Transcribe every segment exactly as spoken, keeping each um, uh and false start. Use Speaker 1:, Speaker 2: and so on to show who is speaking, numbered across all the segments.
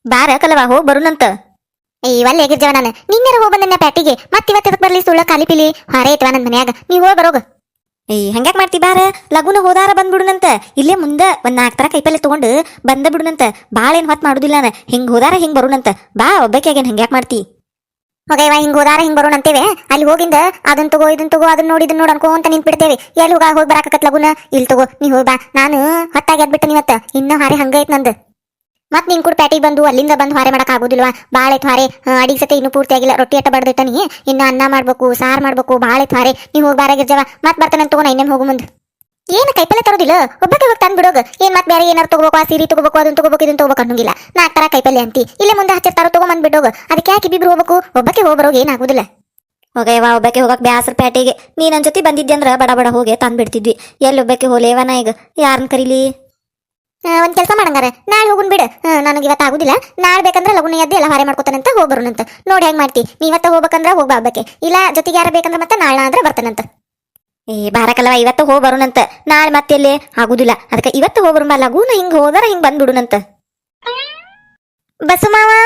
Speaker 1: ಬಾರ ಕಲವ ಹೋಗ್ ಬರುನಂತ.
Speaker 2: ಇವಲ್ಲಿ ಹೇಗಿರ್ಜವ ನಾನು ನಿನ್ನೆರ ಹೋಗ್ ಬಂದ ಪ್ಯಾಟಿಗೆ ಮತ್ ಇವತ್ತ ಬರ್ಲಿ ಸುಳ್ಳ ಖಾಲಿ ಪಿಲಿ ಹಾರೇ ಐತವ ನನ್ ಮನ್ಯಾಗ ನೀವ್ ಹೋಗ್ ಬರೋಗ.
Speaker 1: ಏಯ್ ಹಂಗ್ಯಾಕ್ ಮಾಡ್ತಿ ಬಾರ ಲಗುನ ಹೋದಾರ ಬಂದ್ಬಿಡುನಂತ. ಇಲ್ಲೇ ಮುಂದ ಒಂದ್ ನಾಲ್ಕು ತರ ಕೈಪಲ್ಲೆ ತಗೊಂಡು ಬಂದ ಬಿಡುನಂತ. ಬಾಳ ಏನ್ ಹೊತ್ ಮಾಡುದಿಲ್ಲ ನಾನು. ಹಿಂಗ್ ಹೋದಾರ ಹಿಂಗ್ ಬರುನಂತ. ಬಾ ಒಬ್ಬಕ್ಕಾಗೇನ್ ಹಂಗ್ಯಾಕ್ ಮಾಡ್ತಿ.
Speaker 2: ಹೋಗಯ್ಯವ ಹಿಂಗ್ ಹೋದಾರ ಹಿಂಗ್ ಬರೋಣ ಅಂತೇವೆ. ಅಲ್ಲಿ ಹೋಗಿಂದ ಅದನ್ ತಗೋ ಇದನ್ ತಗೋ ಅದನ್ನ ನೋಡಿ ಇದನ್ನ ನೋಡ್ ಅನ್ಕೊಂತ ನಿಂತ್ ಬಿಡ್ತೇವೆ. ಎಲ್ಲಿ ಹೋಗ ಹೋಗಿ ಬರಾಕತ್ ಲಗುನ ಇಲ್ಲಿ ತಗೋ ನೀ ಹೋಗ್ ಬಾ. ನಾನು ಹೊತ್ತಾಗಿ ಎದ್ಬಿಟ್ಟೆ ನೀವತ್ತ ಇನ್ನ ಹಾರೆ ಹಂಗ ಐತ್ ನಂದು. ಮತ್ ನಿನ್ ಕೂಡ ಪ್ಯಾಟಿಗೆ ಬಂದು ಅಲ್ಲಿಂದ ಬಂದು ಹಾರೆ ಮಾಡಕ್ ಆಗುದಿಲ್ವಾ. ಬಾಳ ಐತ್ ಹಾರೆ. ಅಡಿಗೆ ಸತೆ ಇನ್ನೂ ಪೂರ್ತಿ ಆಗಿಲ್ಲ. ರೊಟ್ಟಿ ಅಟ್ಟ ಬಡ್ದಿಟ್ಟನಿ. ಇನ್ನ ಅನ್ನ ಮಾಡ್ಬೇಕು ಸಾರ್ ಮಾಡ್ಬೇಕು ಬಾಳ ಐತ್ ಹಾರೆ. ನೀ ಹೋಗಿ ಬಾರಾಗಿರ್ಜವ ಮತ್ ಬರ್ತಾನಂತ ತಗೋ. ನಾ ಇನ್ನೇಮ್ ಹೋಗು ಮುಂದ್ ಏನ್ ಕೈಪಲ್ಲೆ ತರೋದಿಲ್ಲ ಒಬ್ಬಕ್ಕೆ ಹೋಗಿ ತಂದ್ ಬಿಡೋಗ. ಏನ್ ಮತ್ ಬೇರೆ ಏನಾರು ತಗೋಬೇಕು ಆ ಸೀರೆ ತಗೋಬೇಕು ಅದನ್ನ ತಗೋಬೇಕು ಇದನ್ನ ತಗೋಬೇಕು ಅನ್ನಂಗಿಲ್ಲ. ನಾಲ್ಕು ತರ ಕೈಪಲ್ಲೆ ಅಂತಿ ಇಲ್ಲೇ ಮುಂದೆ ಹಚ್ಚಿರ್ತಾರೋ ತಗೋ ಬಂದ್ ಬಿಡೋಗ. ಅದಕ್ಕೆ ಯಾಕೆ ಇಬ್ಬಿಬ್ರು ಹೋಗ್ಬೇಕು. ಒಬ್ಬಕ್ಕೆ ಹೋಗ್ಬರೋಗ ಏನಾಗುದಿಲ್ಲ.
Speaker 1: ಹೋಗಯ್ಯವ ಒಬ್ಬಕ್ಕೆ ಹೋಗಕ್ ಬ್ಯಾಸರ ಪ್ಯಾಟಿಗೆ. ನೀ ನನ್ ಜೊತೆ ಬಂದಿದ್ದೆ ಅಂದ್ರ ಬಡ ಬಡ ಹೋಗಿ ತಂದ್ ಬಿಡ್ತಿದ್ವಿ. ಎಲ್ಲಿ ಒಬ್ಬಕ್ಕೆ ಹೋಲೇವನ ಈಗ ಯಾರನ್ನ ಕರೀಲಿ.
Speaker 2: ಒಂದ್ ಕೆಲಸ ಮಾಡಂಗಾರ ನಾಳೆ ಹೋಗುನ್ ಬಿಡು. ನನಗೆ ಇವತ್ತು ಆಗುದಿಲ್ಲ. ನಾಳೆ ಬೇಕಂದ್ರೆ ಲಗುನ ಎದ್ದು ಎಲ್ಲ ಹಾರೆ ಮಾಡ್ಕೊತಾನಂತ ಹೋಗ್ ಬರೋಣಂತ. ನೋಡಿ ಹೆಂಗ್ ಮಾಡ್ತಿ. ನೀವತ್ತ ಹೋಗ್ಬೇಕಂದ್ರ ಹೋಗ್ಬಾ ಒಬ್ಬಕ್ಕೆ. ಇಲ್ಲ ಜೊತೆಗೆ ಯಾರ ಬೇಕಂದ್ರ ಮತ್ತೆ ನಾಳೆ ಅಂದ್ರೆ ಬರ್ತಾನಂತ.
Speaker 1: ಏ ಬಾರಕಲ್ವ ಇವತ್ತು ಹೋಗ್ ಬರೋಣಂತ. ನಾಳೆ ಮತ್ತೆ ಆಗುದಿಲ್ಲ. ಅದಕ್ಕೆ ಇವತ್ತು ಹೋಗ್ ಬರೋಣ. ಲಗುನ ಹಿಂಗ್ ಹೋದಾರ ಹಿಂಗ್ ಬಂದ್ಬಿಡುನಂತ.
Speaker 2: ಬಸ್ಸು ಮಾವ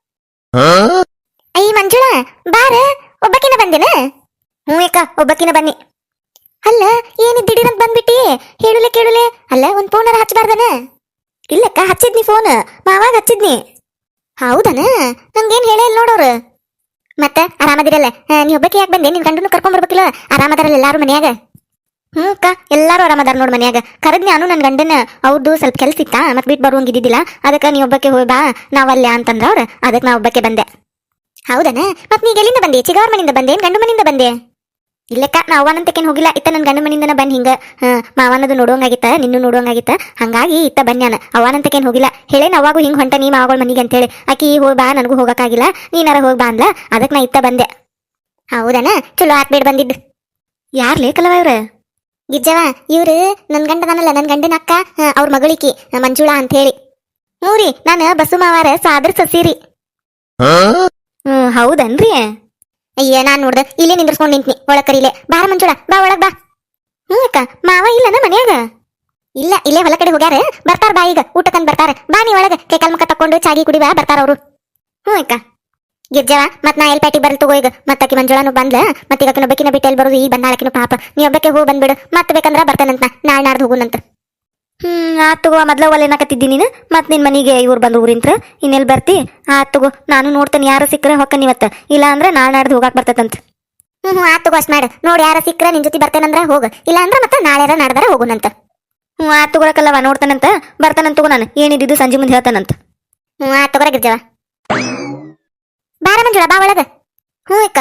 Speaker 2: ಅಯ್ಯ ಮಂಜುಳಾ ಬಾರ ಒಬ್ಬಕಿನ ಬಂದೇನ.
Speaker 1: ಹ್ಞೂ ಅಕ್ಕ ಒಬ್ಬಕಿನ ಬನ್ನಿ.
Speaker 2: ಅಲ್ಲ ಏನ್ ದಿಢೀರಂತ ಬಂದ್ಬಿಟ್ಟಿ. ಹೇಳುಲೆ ಕೇಳುಲೆ. ಅಲ್ಲ ಒಂದ್ ಫೋನರ ಹಚ್ಚಬಾರ್ದನ.
Speaker 1: ಇಲ್ಲಕ್ಕ ಹಚ್ಚಿದ್ನಿ ಫೋನ್. ಮಾವಾಗ ಹಚ್ಚಿದ್ನಿ.
Speaker 2: ಹೌದನ ನಂಗೇನ್ ಹೇಳೇ ಇಲ್ಲ ನೋಡೋರು. ಮತ್ತ ಆರಾಮದಿರಲ್ಲ. ನೀ ಒಬ್ಬಕ್ಕೆ ಯಾಕೆ ಬಂದೆ. ನಿನ್ ಗಂಡನು ಕರ್ಕೊಂಡ್ ಬರ್ಬೇಕಿಲ್ಲ. ಆರಾಮದಾರಲ್ಲ ಎಲ್ಲಾರು ಮನ್ಯಾಗ.
Speaker 1: ಹ್ಞೂ ಅಕ್ಕ ಎಲ್ಲಾರು ಆರಾಮದಾರ ನೋಡ್ ಮನ್ಯಾಗ. ಕರದ್ ನಾನು ನನ್ ಗಂಡನ ಅವ್ರದ್ದು ಸ್ವಲ್ಪ ಕೆಲ್ಸ ಇತ್ತ ಮತ್ ಬಿಟ್ಟು ಬರುವಂಗಿದ್ದಿದ್ದಿಲ್ಲ. ಅದಕ್ಕೆ ನೀ ಒಬ್ಬಕ್ಕೆ ಹೋಗಿ ಬಾ ನಾವಲ್ಲೇ ಅಂತಂದ್ರ ಅವ್ರ. ಅದಕ್ಕೆ ನಾ ಒಬ್ಬಕ್ಕೆ ಬಂದೆ.
Speaker 2: ಹೌದನ ಮತ್ ನೀಗ ಎಲ್ಲಿಂದ ಬಂದೆ. ಚಿಗವ್ರ ಮನಿಂದ ಬಂದೆ ಗಂಡು ಮನಿಂದ ಬಂದೆ.
Speaker 1: ಇಲ್ಲಕ್ಕ ನಾ ಅವ್ವನಂತಕೇನ್ ಹೋಗಿಲ್ಲ. ಇತ್ತ ನನ್ ಗಂಡ ಮನಿಂದನ ಬಂದ್ ಹಿಂಗ ಮಾವನದು ನೋಡುವಂಗಾಗಿತ್ತ ನಿನ್ನೂ ನೋಡುವಂಗಾಗಿತ್ತ. ಹಂಗಾಗಿ ಇತ್ತ ಬನ್ಯಾನ. ಅವ್ವನಂತಕೇನ್ ಹೋಗಿಲ್ಲ. ಹೇಳೇನ ಅವಾಗೂ ಹಿಂಗ್ ಹೊಂಟ ನೀ ಮಾವಗಳ ಮನಿಗೆ ಅಂತೇಳಿ. ಆಕಿ ಹೋಗಿ ಬಾ ನನಗೂ ಹೋಗಕ್ಕಾಗಿಲ್ಲ ನೀನಾರ ಹೋಗಿ ಬಾ ಅಂದ್ಲ. ಅದಕ್ಕೆ ನಾ ಇತ್ತ ಬಂದೆ.
Speaker 2: ಹೌದನ ಚಲೋ ಆತ್ಬೇಡ ಬಂದಿದ್ದು.
Speaker 1: ಯಾರ್ ಲೇಕಲ್ವ ಇವ್ರ.
Speaker 2: ಗಿಜ್ಜವ ಇವ್ರು ನನ್ ಗಂಡದನಲ್ಲ ನನ್ ಗಂಡನ ಅಕ್ಕ. ಅವ್ರ ಮಗಳಿಕಿ ಮಂಜುಳಾ ಅಂತ ಹೇಳಿ. ಹ್ಞೂರಿ ನಾನು ಬಸ್ಸು ಮಾವಾರ ಸಾದ್ರ ಸಸೀರಿ.
Speaker 1: ಹ್ಮ್ ಹೌದನ್ರಿ.
Speaker 2: ಅಯ್ಯ ನಾನ್ ನೋಡ್ದ ಇಲ್ಲೇ ನಿಂದ್ರಸ್ಕೊಂಡ್ ನಿಂತ್ನಿ. ಒಳಗ್ ಕರೀಲೆ ಬಾರ ಮಂಜುಳಾ ಬಾ ಒಳಗ್ ಬಾ. ಹ್ಞೂ ಅಕ್ಕ ಮಾವ ಇಲ್ಲನ ಮನ್ಯಾಗ. ಇಲ್ಲ ಇಲ್ಲೇ ಹೊಲ ಕಡೆ ಹೋಗ್ಯಾರ. ಬರ್ತಾರ ಬಾ ಈಗ ಊಟಕ್ಕಂದ್ ಬರ್ತಾರ. ಬಾ ನೀ ಒಳಗ ಕೈಕಾಲ್ ಮುಖ ತಕೊಂಡು ಚಾಗಿ ಕುಡಿ ಬಾ ಬರ್ತಾರ ಅವ್ರು. ಹ್ಞೂ ಅಕ್ಕ ಗಿರ್ಜವ ಮತ್ ನಾ ಎಲ್ ಪ್ಯಾಟಿಗೆ ಬರ್ಲಿ ತಗೋ ಈಗ. ಮತ್ತಕಿ ಮಂಜುಳಾನು ಬಂದ್ಲ. ಮತ್ ಈಗ ಒಬ್ಬಕಿನ ಬಿಟ್ಟು ಎಲ್ಲಿ ಬರೋದು. ಈ ಬಂದಾಳಕಿನ ಪಾಪ. ನೀ ಒಬ್ಬಕ್ಕೆ ಹೋಗಿ ಬಂದ್ಬಿಡು. ಮತ್ ಬೇಕಂದ್ರ ಬರ್ತಾನಂತ ನಾಳೆ ನಾಡ್ದು ಹೋಗುನಂತ.
Speaker 1: ಹ್ಮ್ ಆತ್ ತಗೋ. ಮೊದ್ಲ ಒಲೆ ಏನಕತ್ತಿದ್ದಿ ನೀನು. ಮತ್ ನಿನ್ ಮನಿಗೆ ಇವ್ರು ಬಂದು ಊರಿಂತ್ರ ಇನ್ನೆಲ್ ಬರ್ತಿ. ಆತ್ ತಗೋ ನಾನು ನೋಡ್ತೇನೆ. ಯಾರು ಸಿಕ್ಕರೆ ಹೊಕ್ಕನ್ ಇವತ್ತ. ಇಲ್ಲ ಅಂದ್ರೆ ನಾಳೆ ನಾಡ್ದು ಹೋಗಾಕ್ ಬರ್ತೈತಂತ.
Speaker 2: ಹ್ಮ್ ಹ್ಞೂ ಆತ್ ತಗೋ ಅಷ್ಟ್ ಮಾಡ. ನೋಡಿ ಯಾರ ಸಿಕ್ಕರೆ ನಿನ್ ಜೊತೆ ಬರ್ತೇನಂದ್ರ ಹೋಗ. ಇಲ್ಲ ಅಂದ್ರ ಮತ್ತೆ ನಾಳೆ ನಾಡ್ದಾರ ಹೋಗುನಂತ.
Speaker 1: ಹ್ಞೂ ಆತ್ ತಗೊಳಕಲ್ಲವ ನೋಡ್ತಾನಂತ. ಬರ್ತಾನಂತ ತಗೋ. ನಾನು ಏನಿದ್ದು ಸಂಜೆ ಮುಂದೆ ಹೇಳ್ತಾನಂತ.
Speaker 2: ಹ್ಞೂ ಆತ್ ತಗೋರ ಗಿರ್ಜವ ಬಾರ ಮಂಜುಳಾ ಬಾ ಒಳಗ. ಹ್ಞೂ ಅಕ್ಕ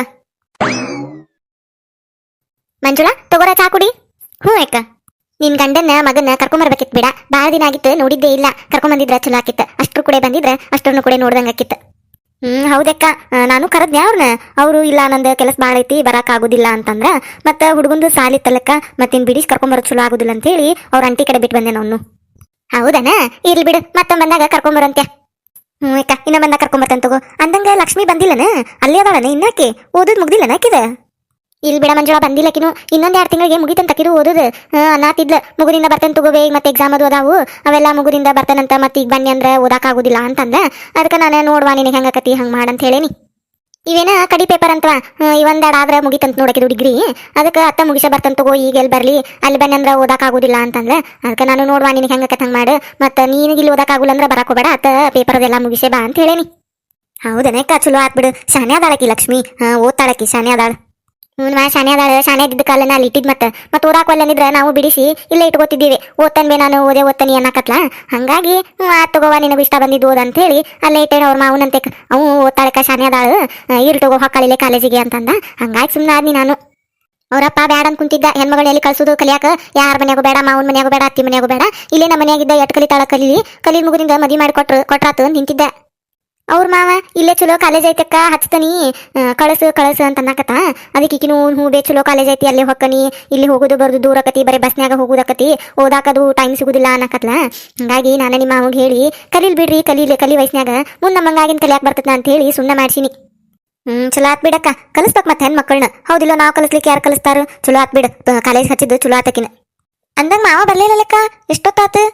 Speaker 2: ಮಂಜುಳಾ ತಗೋರ ಚಾ ಕುಡಿ.
Speaker 1: ಹ್ಞೂ ಅಕ್ಕ
Speaker 2: ನಿನ್ ಗಂಡನ ಮಗನ ಕರ್ಕೊಂಬರ್ಬೇಕಿತ್ ಬಿಡ. ಬಾಳ ದಿನ ಆಗಿತ್ತು ನೋಡಿದ್ದೇ ಇಲ್ಲ. ಕರ್ಕೊಂಬಂದಿದ್ರ ಚಲೋ ಆಕಿತ್ತ. ಅಷ್ಟ್ರು ಕೂಡ ಬಂದಿದ್ರ ಅಷ್ಟ್ರನ್ನು ಕೂಡ ನೋಡ್ದಂಗ ಆಕಿತ್ತ.
Speaker 1: ಹ್ಮ್ ಹೌದಕ್ಕ ನಾನು ಕರದ್ನೆ ಅವ್ರನ್ನ. ಅವರು ಇಲ್ಲ ನಂದು ಕೆಲಸ ಬಾಳ ಐತಿ ಬರಾಕ್ ಆಗುದಿಲ್ಲ ಅಂತಂದ್ರ. ಮತ್ತ ಹುಡುಗಂದು ಸಾಲಿತ್ತಲ್ಲಕ್ಕ ಮತ್ತಿನ್ ಬಿಡಿಸ್ ಕರ್ಕೊಂಬರೋದ್ ಚಲೋ ಆಗುದಿಲ್ಲ ಅಂತ ಹೇಳಿ ಅವ್ರ ಅಂಟಿ ಕಡೆ ಬಿಟ್ಟು ಬಂದೆ ನಾನು.
Speaker 2: ಹೌದನ ಇರ್ಲಿ ಬಿಡು ಮತ್ತೊಂದ್ ಬಂದಾಗ ಕರ್ಕೊಂಬರಂತೆ.
Speaker 1: ಹ್ಞೂ ಅಕ್ಕ ಇನ್ನ ಬಂದಾಗ ಕರ್ಕೊಂಬರ್ತೇನೆ ತಗೋ. ಅಂದಂಗ ಲಕ್ಷ್ಮಿ ಬಂದಿಲ್ಲನ. ಅಲ್ಲೇ ಅದಾಳನ ಇನ್ನಾಕಿ. ಓದೋದ್ ಮುಗ್ದಿಲ್ಲನ ಆಕಿದ.
Speaker 2: ಇಲ್ಲಿ ಬಿಡ ಮಂಜುಳಾ ಬಂದಿಲ್ಲಕಿನು. ಇನ್ನೊಂದ್ ಎರಡು ತಿಂಗಳಿಗೆ ಮುಗಿತಂತ ಕಿರು ಓದುದು. ಅನ್ನಾತಿದ್ಲ ಮುಗುರಿಂದ ಬರ್ತೇನೆ ತಗೋವೆ ಮತ್ತೆ ಎಕ್ಸಾಮ್ ಅದು ಅದಾವು ಅವೆಲ್ಲ ಮುಗುರಿಂದ ಬರ್ತೇನಂತ. ಮತ್ತೆ ಈಗ ಬನ್ನಿ ಅಂದ್ರೆ ಓದಾಕ್ ಆಗುದಿಲ್ಲ ಅಂತಂದ. ಅದಕ್ಕೆ ನಾನು ನೋಡ್ವಾ ನಿನಗೆ ಹೆಂಗಕತಿ ಹಂಗ್ ಮಾಡಂತ ಹೇಳೇನಿ. ಇವೇನ ಕಡಿ ಪೇಪರ್ ಅಂತವ. ಇವೊಂದೆರಡು ಆದ್ರೆ ಮುಗಿತಂತ ನೋಡಕಿದು ಡಿಗ್ರಿ. ಅದಕ್ಕೆ ಅತ್ತ ಮುಗಿಸ ಬರ್ತಂತ ತಗೋ. ಈಗ ಎಲ್ಲಿ ಬರ್ಲಿ ಅಲ್ಲಿ ಬನ್ನಿ ಅಂದ್ರೆ ಓದಾಕ್ ಆಗುದಿಲ್ಲ ಅಂತಂದ್ರೆ. ಅದಕ್ಕೆ ನಾನು ನೋಡ್ವಾ ನಿನಗೆ ಹೆಂಗಕತ್ ಹಂಗ್ ಮಾಡು. ಮತ್ತೆ ನೀನಿಗೆ ಇಲ್ಲಿ ಓದಾಕ್ ಆಗುಲ್ಲ ಅಂದ್ರೆ ಬರಾಕ್ ಹೋಗ್ಬೇಡ. ಅತ್ತ ಪೇಪರ್ ಅದೆಲ್ಲ ಮುಗಿಸೇ ಬಾ ಅಂತ ಹೇಳೇನಿ.
Speaker 1: ಹೌದನೇಕ ಚಲೋ ಆತ್ ಬಿಡು. ಶಾನೆ ಅದಾಳಕಿ ಲಕ್ಷ್ಮಿ. ಹಾ ಓದ್ತಾಳಕಿ ಶಾನೆ ಅದಾಳ.
Speaker 2: ಹ್ಞೂ ಮಾ ಶಾನೆ ಅದಾಳ. ಶಾನೆ ಇದ್ದ ಕಾಲನ ಅಲ್ಲಿ ಇಟ್ಟಿದ್ ಮತ್ತೆ ಮತ್ತೆ ಓದಾಕ್ ಒಲ್ಲನಿದ್ರ ನಾವು ಬಿಡಿಸಿ ಇಲ್ಲೇ ಇಟ್ಕೋತಿದ್ದೀವಿ. ಓದ್ತಾನೆ ಬೇ ನಾನು ಓದೇ ಓದ್ತಾನಿ ಅನ್ನಕತ್ಲ. ಹಂಗಾಗಿ ಹ್ಞೂ ಆತ್ ತಗೋವಾ ನಿನಗೂ ಇಷ್ಟ ಬಂದಿದ್ದು ಓದ್ ಅಂತ ಹೇಳಿ ಅಲ್ಲೇ ಇಟ್ಟೇನ. ಅವ್ರ ಮಾವನಂತೆ ಅವು ಓದ್ತಾಳಕ ಶಾನೆ ಅದಾಳ. ಇರ್ ತಗೋ ಹೊಕ್ಕಳಿಲೆ ಕಾಲೇಜಿಗೆ ಅಂತಂದ. ಹಂಗಾಗಿ ಸುಮ್ಮನೆ ಆದ್ನಿ ನಾನು. ಅವ್ರಪ್ಪ ಬ್ಯಾಡ ಅಂತ ಕುಂತಿದ್ದ. ಹೆಣ್ಮಗಳು ಎಲ್ಲಿ ಕಳ್ಸೋದು ಕಲಿಯಾಕ. ಯಾರ ಮನ್ಯಾಗೂ ಬೇಡ ಮಾವನ ಮನ್ಯಾಗೂ ಬೇಡ ಅತ್ತಿ ಮನ್ಯಾಗೂ ಬೇಡ. ಇಲ್ಲೇ ನಮ್ಮ ಮನ್ಯಾಗಿದ್ದ ಎಟ್ ಕಲಿತಾಳ ಕಲೀಲಿ. ಕಲಿ ಮುಗುದಿಂದ ಮದಿ ಮಾಡಿ ಕೊಟ್ರು ಕೊಟ್ರಾತು ನಿಂತಿದ್ದ. ಅವ್ರ ಮಾವ ಇಲ್ಲೇ ಚಲೋ ಕಾಲೇಜ್ ಐತಕ್ಕ ಹಚ್ತನಿ ಕಳಸು ಕಳಸು ಅಂತ ಅನ್ನಕತ್ತ. ಅದಕ್ಕೆ ಈಕಿನೂ ಹ್ಞೂ ಬೇ ಚಲೋ ಕಾಲೇಜ್ ಐತಿ ಅಲ್ಲೇ ಹೊಕ್ಕನಿ. ಇಲ್ಲಿ ಹೋಗೋದು ಬರೋದು ದೂರ ಆಕತಿ. ಬರೀ ಬಸ್ನ್ಯಾಗ ಹೋಗೋದಕತಿ. ಓದಾಕದು ಟೈಮ್ ಸಿಗುದಿಲ್ಲ ಅನ್ನಕತ್ಲ. ಹಂಗಾಗಿ ನಾನು ನಿಮ್ಮ ಮಾವಗೆ ಹೇಳಿ ಕಲೀಲ್ ಬಿಡ್ರಿ ಕಲೀಲಿ ಕಲಿ ವಯಸ್ನ್ಯಾಗ ಮುಂದೆ ನಮ್ಮಂಗಾಗಿನ ಕಲಿಯಾಕ್ ಬರ್ತದ ಅಂತ ಹೇಳಿ ಸುಮ್ಮನೆ ಮಾಡ್ಸಿನಿ.
Speaker 1: ಹ್ಮ್ ಚಲೋ ಆತ್ ಬಿಡಕ್ಕ. ಕಲಿಸ್ಬೇಕ್ ಮತ್ತೆ ಹೆಣ್ ಮಕ್ಕಳನ್ನ. ಹೌದಿಲ್ಲ ನಾವು ಕಲಿಸ್ಲಿಕ್ಕೆ ಯಾರು ಕಲಿಸ್ತಾರ. ಚಲೋ ಆತ್ ಬಿಡ ಕಾಲೇಜ್ ಹಚ್ಚಿದ್ದು ಚಲೋ ಆತಕಿನ.
Speaker 2: ಅಂದಂಗ ಮಾವ ಬರ್ಲಿಲ್ಲಕ್ಕ ಎಷ್ಟೊತ್ತಾತು.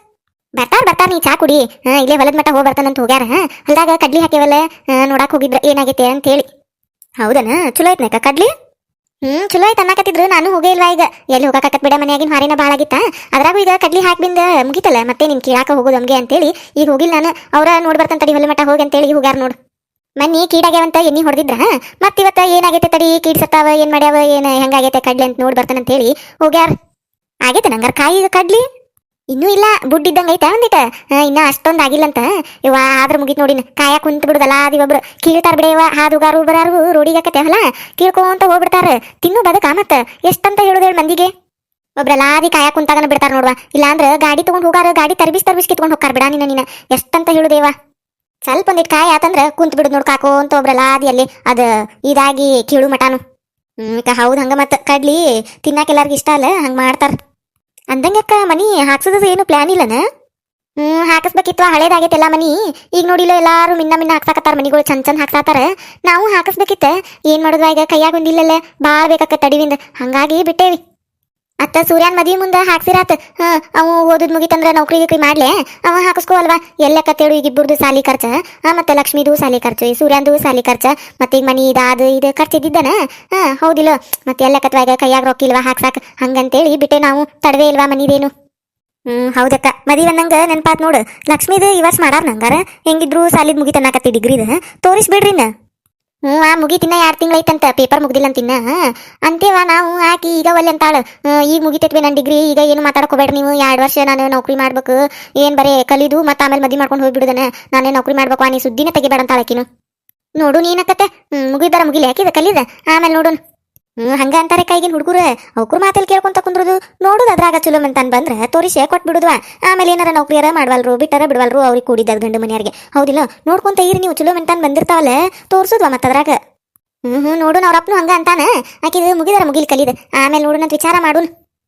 Speaker 2: ಬರ್ತಾರ ಬರ್ತಾರ ನೀ ಚಾ ಕುಡಿ ಹಾ ಇಲ್ಲೇ ಹೊಲದ ಮಟ್ಟ ಹೋಗಿ ಬರ್ತಾನಂತ ಹೋಗ್ಯಾರ ಹೊಲ್ದಾಗ ಕಡ್ಲಿ ಹಾಕ್ಯವಲ್ಲ ನೋಡಾಕ್ ಹೋಗಿದ್ರ ಏನಾಗೈತೆ ಅಂತ ಹೇಳಿ.
Speaker 1: ಹೌದನ ಚಲೋ ಐತ್ನಕ್ಕ ಕಡ್ಲಿ.
Speaker 2: ಹ್ಮ್ ಚಲೋ ಆಯ್ತು ಅನ್ನಕತ್ತಿದ್ರು ನಾನು ಹೋಗೇ ಇಲ್ವಾ ಈಗ ಎಲ್ಲಿ ಹೋಗಕತ್ ಬಿಡ ಮನ್ಯಾಗಿನ ಹಾರಿನ ಭಾಳ ಆಗಿತ್ತ ಅದ್ರಾಗೂ ಈಗ ಕಡ್ಲಿ ಹಾಕ್ಬಿಂದ ಮುಗಿತಲ್ಲ ಮತ್ತೆ ನಿನ್ ಕೀಳಾಕ ಹೋಗೋದು ಹಂಗೆ ಅಂತೇಳಿ ಈಗ ಹೋಗಿಲ್ಲ ನಾನು ಅವ್ರ ನೋಡ್ ಬರ್ತಾನ ತಡಿ ಹೊಲ ಮಟ್ಟ ಹೋಗಿ ಅಂತೇಳಿ ಹೋಗ್ಯಾರ ನೋಡು. ಮನ್ನಿ ಕೀಡಾಗ್ಯಾವಂತ ಎಣ್ಣಿ ಹೊಡೆದಿದ್ರ ಮತ್ ಇವತ್ತ ಏನಾಗೈತೆ ತಡಿ ಕೀಡ್ ಸತ್ತಾವ ಏನ್ ಮಾಡ್ಯಾವ ಏನ್ ಹೆಂಗಾಗೈತೆ ಕಡ್ಲಿ ಅಂತ ನೋಡ್ ಬರ್ತಾನಂತ ಹೇಳಿ ಹೋಗ್ಯಾರ.
Speaker 1: ಆಗೈತೆ ನಂಗಾರ ಕಾಯಿ ಈಗ ಕಡ್ಲಿ.
Speaker 2: ಇನ್ನೂ ಇಲ್ಲ ಬುಡ್ಡಿದ್ದಂಗ ಐತೆ ಒಂದಿಟ ಇನ್ನ ಅಷ್ಟೊಂದ್ ಆಗಿಲ್ಲಂತ ಇವ ಆದ್ರ ಮುಗಿತ್ ನೋಡಿ ಕಾಯ ಕುಂತ ಬಿಡುದಲ್ಲ ಅದಿ ಒಬ್ರು ಕೀಳ್ತಾರ ಬಿಡ ಇವ ಹಾದುಗಾರು ಬರಾರು ರೋಡಿಗೆ ಹಾಕತ್ತೆ ಹೊಲ ಕೀಳ್ಕೊಂತ ಹೋಗ್ಬಿಡ್ತಾರ ತಿನ್ನು ಬದಕ ಮತ್ತ ಎಷ್ಟಂತ ಹೇಳುದ ಹೇಳ ಮಂದಿಗೆ. ಒಬ್ರಲ್ಲಾದಿ ಕಾಯ ಕುಂತಾಗನ ಬಿಡ್ತಾರ ನೋಡ್ವಾ ಇಲ್ಲಾಂದ್ರ ಗಾಡಿ ತಗೊಂಡ್ ಹೋಗಾರ ಗಾಡಿ ತರ್ಬಿಸ್ ತರ್ಬಿಸ್ ಕಿತ್ಕೊಂಡ್ ಹೋಗಾರ ಬಿಡ ನಿನ್ನ ನೀನ ಎಷ್ಟಂತ ಹೇಳುದೇವ. ಸ್ವಲ್ಪ ಒಂದಿಟ್ ಕಾಯ ಆತಂದ್ರ ಕುಂತ್ ಬಿಡುದ್ ನೋಡ್ ಕಾಕೋ ಅಂತ ಒಬ್ರಲ್ಲಾದಿ ಅಲ್ಲಿ ಅದ ಇದಾಗಿ ಕೀಳು ಮಟಾನು.
Speaker 1: ಹ್ಮ್ ಹೌದ್ ಹಂಗ ಮತ್ತ ಕಡ್ಲಿ ತಿನ್ನಾಕ ಎಲ್ಲಾರ್ಗ ಇಷ್ಟ ಅಲ್ಲ ಹಂಗ ಮಾಡ್ತಾರ. ಅಂದಂಗಕ್ಕ ಮನಿ ಹಾಕ್ಸೋದು ಏನು ಪ್ಲಾನ್ ಇಲ್ಲನ.
Speaker 2: ಹ್ಮ್ ಹಾಕಿಸ್ಬೇಕಿತ್ತು ಹಳೇದಾಗೈತೆಲ್ಲ ಮನಿ ಈಗ ನೋಡಿಲ್ಲ ಎಲ್ಲಾರು ಮಿನ್ನ ಮಿನ್ನ ಹಾಕ್ಸಾಕತ್ತಾರ ಮನಿಗಳು ಚಂದ ಚಂದ ಹಾಕ್ಸಾತಾರ ನಾವು ಹಾಕಿಸ್ಬೇಕಿತ್ತ ಏನ್ ಮಾಡುದ ಈಗ ಕೈಯಾಗ ಒಂದಿಲ್ಲಲ್ಲ ಬಾಳ್ ಬೇಕಾಕ ತಡಿವಿಂದ ಹಂಗಾಗಿ ಬಿಟ್ಟೇವಿ. ಅತ್ತ ಸೂರ್ಯನ್ ಮದ್ವಿ ಮುಂದ ಹಾಕ್ಸಿರಾತ್ ಹ ಅವು ಓದದ್ ಮುಗಿತಂದ್ರ ನೌಕರಿ ಗಿಕ್ರಿ ಮಾಡ್ಲೆ ಅವ ಹಾಕಿಸ್ಕೋ ಅಲ್ವಾ ಎಲ್ಲಕ್ಕತ್ತೇಳು ಈಗ ಇಬ್ಬರದು ಸಾಲಿ ಖರ್ಚ ಆ ಮತ್ತೆ ಲಕ್ಷ್ಮಿದು ಸಾಲಿ ಖರ್ಚು ಈ ಸೂರ್ಯಂದು ಸಾಲಿ ಖರ್ಚ ಮತ್ತೆ ಈಗ ಮನಿ ಇದಾದ ಇದು ಖರ್ಚಿದ್ದಾನ ಹಾ ಹೌದಿಲ್ಲ ಮತ್ತೆ ಎಲ್ಲಕ್ಕತ್ವ ಈಗ ಕೈಯಾಗ ರೊಕ್ಕಿಲ್ವಾ ಹಾಕ್ಸಾಕ್ ಹಂಗಂತೇಳಿ ಬಿಟ್ಟೆ ನಾವು ತಡವೇ ಇಲ್ವಾ ಮನಿದೇನು.
Speaker 1: ಹ್ಮ್ ಹೌದಕ್ಕ ಮದಿ ಒಂದಂಗ ನೆನ್ಪಾತ್ ನೋಡು ಲಕ್ಷ್ಮೀದ್ ಈ ವರ್ಷ ಮಾಡಾರ ನಂಗಾರ ಹೆಂಗಿದ್ರು ಸಾಲಿದ್ ಮುಗಿತನ್ನಾಕತ್ತಿ ಡಿಗ್ರಿದ ತೋರಿಸ್ ಬಿಡ್ರಿನ.
Speaker 2: ಹ್ಮ್ ಆ ಮುಗಿತಿನ್ನ ಎರಡ್ ತಿಂಗಳ ಐತಂತ ಪೇಪರ್ ಮುಗ್ದಿಲ್ಲ ಅಂತಿನ್ನ ಅಂತೇವ ನಾವು ಆಕಿ ಈಗ ಒಲ್ಲೆ ಅಂತಾಳ ಈಗ ಮುಗಿತೈತ್ವಿ ನನ್ನ ಡಿಗ್ರಿ ಈಗ ಏನು ಮಾತಾಡಕ್ ಹೋಗ್ಬೇಡ್ರಿ ನೀವು ಎರಡ್ ವರ್ಷ ನಾನು ನೌಕರಿ ಮಾಡ್ಬೇಕು ಏನ್ ಬರೇ ಕಲಿದು ಮತ್ತೆ ಆಮೇಲೆ ಮದ್ವಿ ಮಾಡ್ಕೊಂಡು ಹೋಗ್ಬಿಡುದನ ನಾನೇ ನೌಕರಿ ಮಾಡ್ಬೇಕು ನೀ ಸುದ್ದಿನ ತೆಗಿಬೇಡ ಅಂತಾಳ ಆಕಿನು. ನೋಡು ನೀನಕತ್ತೆ ಹ್ಮ್ ಮುಗಿದಾರ ಮುಗಿಲಿ ಹಾಕಿದ ಕಲಿದ ಆಮೇಲೆ ನೋಡು.
Speaker 1: ಹ್ಮ್ ಹಂಗ ಅಂತಾರೆ ಕೈಗಿನ ಹುಡುಗರು ಅವ್ರು ಮಾತಲ್ಲಿ ಕೇಳ್ಕೊಂತ ಕುಂದ್ರುದು ನೋಡುದು ಅದ್ರಾಗ ಚಲೋ ಮಂತಾನ್ ಬಂದ್ರೆ ತೋರಿಸೆ ಕೊಟ್ ಬಿಡುದ್ವಾ ಆಮೇಲೆ ಏನಾರ ನೌಕರಿಯಾರ ಮಾಡ್ವಲ್ರು ಬಿಟ್ಟಾರ ಬಿಡ್ವಲ್ರು ಅವ್ರಿಗೆ ಕೂಡಿದ್ದ ಗಂಡು ಮನೆಯಾರಿಗೆ ಹೌದಿಲ್ಲ ನೋಡ್ಕೊಂತ ಇರಿ ನೀವು ಚಲೋ ಮಂತಾನ್ ಬಂದಿರ್ತಾವಲ್ಲ ತೋರ್ಸುದ್ವಾ ಮತ್ತ ಅದ್ರಾಗ.
Speaker 2: ಹ್ಮ್ ಹ್ಮ್ ನೋಡು ಅವ್ರ ಅಪ್ಪನು ಹಂಗ ಅಂತಾನ ಆಕಿದು ಮುಗಿದಾರ ಮುಗಿಲ್ ಕಲಿದ ಆಮೇಲೆ ನೋಡು ನಂತ ವಿಚಾರ ಮಾಡು.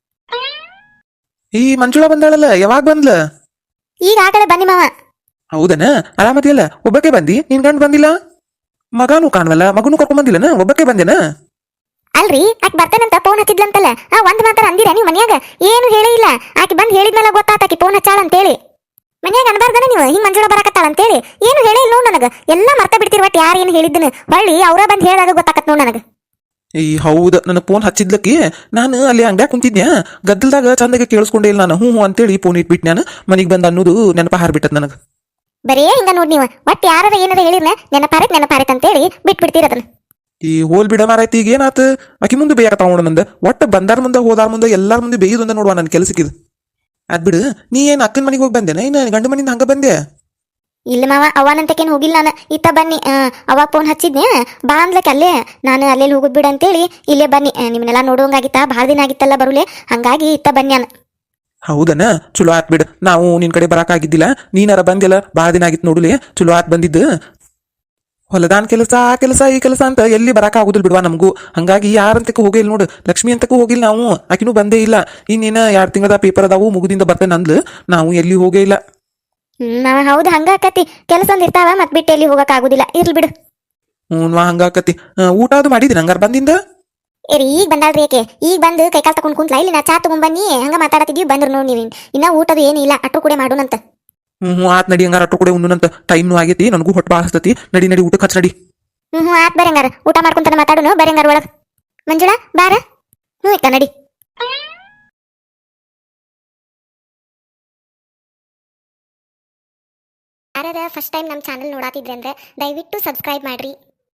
Speaker 3: ಈ ಮಂಜುಳಾ ಬಂದಾಳಲ್ಲ ಯಾವಾಗ ಬಂದ್ಲ.
Speaker 2: ಈಗ ಆಗಲೇ ಬನ್ನಿ ಮಾವ.
Speaker 3: ಹೌದನ ಆರಾಮದಿಯಲ್ಲ ಒಬ್ಬಕ್ಕೆ ಬಂದಿ ನಿನ್ ಗಂಡ್ ಬಂದಿಲ್ಲ. ಮಗನೂ ಕಾಣವಲ್ಲ ಮಗನೂ ಕರ್ಕೊಂಡ್ ಬಂದಿಲ್ಲನ ಒಬ್ಬಕ್ಕೆ ಬಂದೇನ.
Speaker 2: ಅಲ್ರಿ ಆಕಿ ಬರ್ತೇನಂತ ಫೋನ್ ಹಚ್ಚಿದ್ಲಂತಲ್ಲ ಆ ಒಂದ್ ಮಾತಾರ ಅಂದಿರ ನೀವು ಮನ್ಯಾಗ ಏನು ಹೇಳೇ ಇಲ್ಲ ಆಕಿ ಬಂದ್ ಹೇಳಿದ್ಮೇಲೆ ಗೊತ್ತಾತ ಆಕಿ ಫೋನ್ ಹಚ್ಚಾಳ ಅಂತೇಳಿ. ಮನ್ಯಾಗ ಅನ್ಬಾರ್ದನ ನೀವು ಹಿಂಗ್ ಮಂಜುಳ ಬರಾಕತ್ತಾಳ ಅಂತೇಳಿ ಏನು ಹೇಳೇ ಇಲ್ಲ ನೋಡ್ ನನಗ ಎಲ್ಲ ಮರ್ತ ಬಿಡ್ತಿರ್ ಒಟ್ ಯಾರು ಏನು ಹೇಳಿದ್ದನ ಹೊಳ್ಳಿ ಅವ್ರ ಬಂದ್ ಹೇಳಿದಾಗ ಗೊತ್ತಾಕತ್ ನೋಡ್ ನನಗ.
Speaker 3: ಈ ಹೌದ ನನಗೆ ಫೋನ್ ಹಚ್ಚಿದ್ಲಕ್ಕಿ ನಾನು ಅಲ್ಲಿ ಅಂಗ್ಡ್ಯಾಗ ಕುಂತಿದ್ನ್ಯಾ ಗದ್ದಲ್ದಾಗ ಚಂದಾಗೆ ಕೇಳಿಸ್ಕೊಂಡೇ ಇಲ್ಲ ನಾನು ಹ್ಞೂ ಹ್ಞೂ ಅಂತೇಳಿ ಫೋನ್ ಇಟ್ಬಿಟ್ಟು ನಾನು ಮನಿಗೆ ಬಂದ ಅನ್ನೋದು ನೆನಪ ಹಾರ್ಬಿಟ್ಟದ ನನಗೆ.
Speaker 2: ಬರೇ ಹಿಂಗ ನೋಡ್ ನೀವು ಒಟ್ ಯಾರ ಏನಾರ ಹೇಳಿರ್ನ ನೆನಪಾರೈತ್ ನೆನಪಾರೈತ್ ಅಂತೇಳಿ ಬಿಟ್ಬಿಡ್ತೀರ ಅದನ್ನ.
Speaker 3: ಈ ಹೋಲ್ ಬಿಡ ಮಾರಾಯ್ತಿ ಈಗ ಏನಾತ ಆಕಿ ಮುಂದೆ ಬೇಯಕತ್ತಾವ ನೋಡ ನಂದ ಒಟ್ಟು ಬಂದಾರ ಮುಂದೆ ಹೋದಾರ ಮುಂದೆ ಎಲ್ಲಾರ ಮುಂದೆ ಬೇಯುದಂದ ನೋಡುವ ನನ್ನ ಕೆಲಸಕ್ಕಿದು. ಅದ್ ಬಿಡು ನೀ ಏನ್ ಅಕ್ಕನ ಮನೆಗೆ ಹೋಗಿ ಬಂದೇನ ಇನ್ನು ಗಂಡ ಮನಿಂದ ಹಂಗ ಬಂದೆ.
Speaker 2: ಇಲ್ಲ ಮಾವ ಅವನಂತಕೇನು ಹೋಗಿಲ್ಲ ನಾನು ಇತ್ತ ಬನ್ನಿ ಅವಾಗ ಫೋನ್ ಹಚ್ಚಿದ್ನೆ ಬಾ ಅಂದ್ಲಕ್ಕೆ ಅಲ್ಲೇ ನಾನು ಅಲ್ಲೇ ಹೋಗುದ್ ಬಿಡ ಅಂತೇಳಿ ಇಲ್ಲೇ ಬನ್ನಿ ನಿಮ್ಮನ್ನೆಲ್ಲ ನೋಡುವಂಗಾಗಿತ್ತ ಭಾಳ ದಿನ ಆಗಿತ್ತಲ್ಲ ಬರುಲೆ ಹಂಗಾಗಿ ಇತ್ತ ಬನ್ನಿ ನಾನು.
Speaker 3: ಹೌದನ ಚಲೋ ಆತ್ ಬಿಡು ನಾವು ನಿನ್ ಕಡೆ ಬರಾಕಾಗಿದ್ದಿಲ್ಲ ನೀನಾರ ಬಂದಿಲ್ಲ ಭಾಳ ದಿನ ಆಗಿತ್ತು ನೋಡುಲೆ ಚಲೋ ಆತ್ ಬಂದಿದ್ದು. ಹೊಲದಾನ್ ಕೆಲಸ ಆ ಕೆಲಸ ಈ ಕೆಲಸ ಅಂತ ಎಲ್ಲಿ ಬರಾಕ ಆಗುದಿಲ್ಲ ಬಿಡುವ ನಮಗೂ ಹಂಗಾಗಿ ಯಾರಂತಕ್ಕೂ ಹೋಗಿಲ್ಲ ನೋಡು ಲಕ್ಷ್ಮಿ ಅಂತಕ್ಕೂ ಹೋಗಿಲ್ಲ ನಾವು ಆಕಿನೂ ಬಂದೇ ಇಲ್ಲ ಇನ್ನೇನ ಎರಡು ತಿಂಗಳದ ಪೇಪರ್ ಅದಾವು ಮುಗುದಿಂದ ಬರ್ತೇನೆ ಅಂದ್ಲು ನಾವು ಎಲ್ಲಿ ಹೋಗೇ ಇಲ್ಲ.
Speaker 2: ಹ್ಮ್ ಹೌದು ಹಂಗ ಆಕತಿ ಕೆಲಸ ಒಂದ್ ಇರ್ತಾವ ಮತ್ ಬಿಟ್ಟು ಎಲ್ಲಿ ಹೋಗಕ್ ಆಗುದಿಲ್ಲ ಇರ್ಲಿ ಬಿಡು.
Speaker 3: ಹ್ಞೂ ಹಂಗಾಕತಿ ಊಟ ಅದು ಮಾಡಿದ್ದೀನಿ ಹಂಗಾರ ಬಂದಿಂದ.
Speaker 2: ಏರಿ ಈಗ ಬಂದಾಳ್ರಿ ಯಾಕೆ ಈಗ ಬಂದು ಕೈಕಾಲ್ ತಕೊಂಡ್ ಕುಂತ್ಲಾ ಇಲ್ಲಿ ನಾ ಚಾ ತಗೊಂಡ್ ಬನ್ನಿ ಹಂಗ ಮಾತಾಡತಿದ್ವಿ ಬಂದ್ರು ನೋಡಿ ನೀವು ಇನ್ನ ಊಟದು ಏನಿಲ್ಲ ಅಟ್ರು ಕೂಡ ಮಾಡೋಣಂತ.
Speaker 3: ಹ್ಞೂ ಹ್ಞೂ ಆತ್ ನಡಿ ಹಂಗಾರ ಅಟ್ಟು ಕೂಡ ಉಣ್ಣುನಂತ ಟೈಮ್ನು ಆಗೈತಿ ನನಗೂ ಹೊಟ್ಟು ಭಾಳ ಹಸ್ತತಿ ನಡಿ ನಡಿ ಊಟಕ್ಕೆ ಹಚ್ಚ ನಡಿ.
Speaker 2: ಹ್ಮ್ ಹ್ಞೂ ಆತ್ ಬರೀ ಹಂಗಾರ ಊಟ ಮಾಡ್ಕೊಂತಾನೆ ಮಾತಾಡೋನು ಬರೀ ಹಂಗಾರ ಒಳಗ್ ಮಂಜುಳಾ ಬಾರ. ಹ್ಞೂ ಇಕ್ಕ ನಡಿ. ಯಾರ್ಯಾರ ಫಸ್ಟ್ ಟೈಮ್ ನಮ್ಮ ಚಾನಲ್ ನೋಡಾತಿದ್ರೆ ಅಂದ್ರೆ ದಯವಿಟ್ಟು ಸಬ್ಸ್ಕ್ರೈಬ್ ಮಾಡ್ರಿ.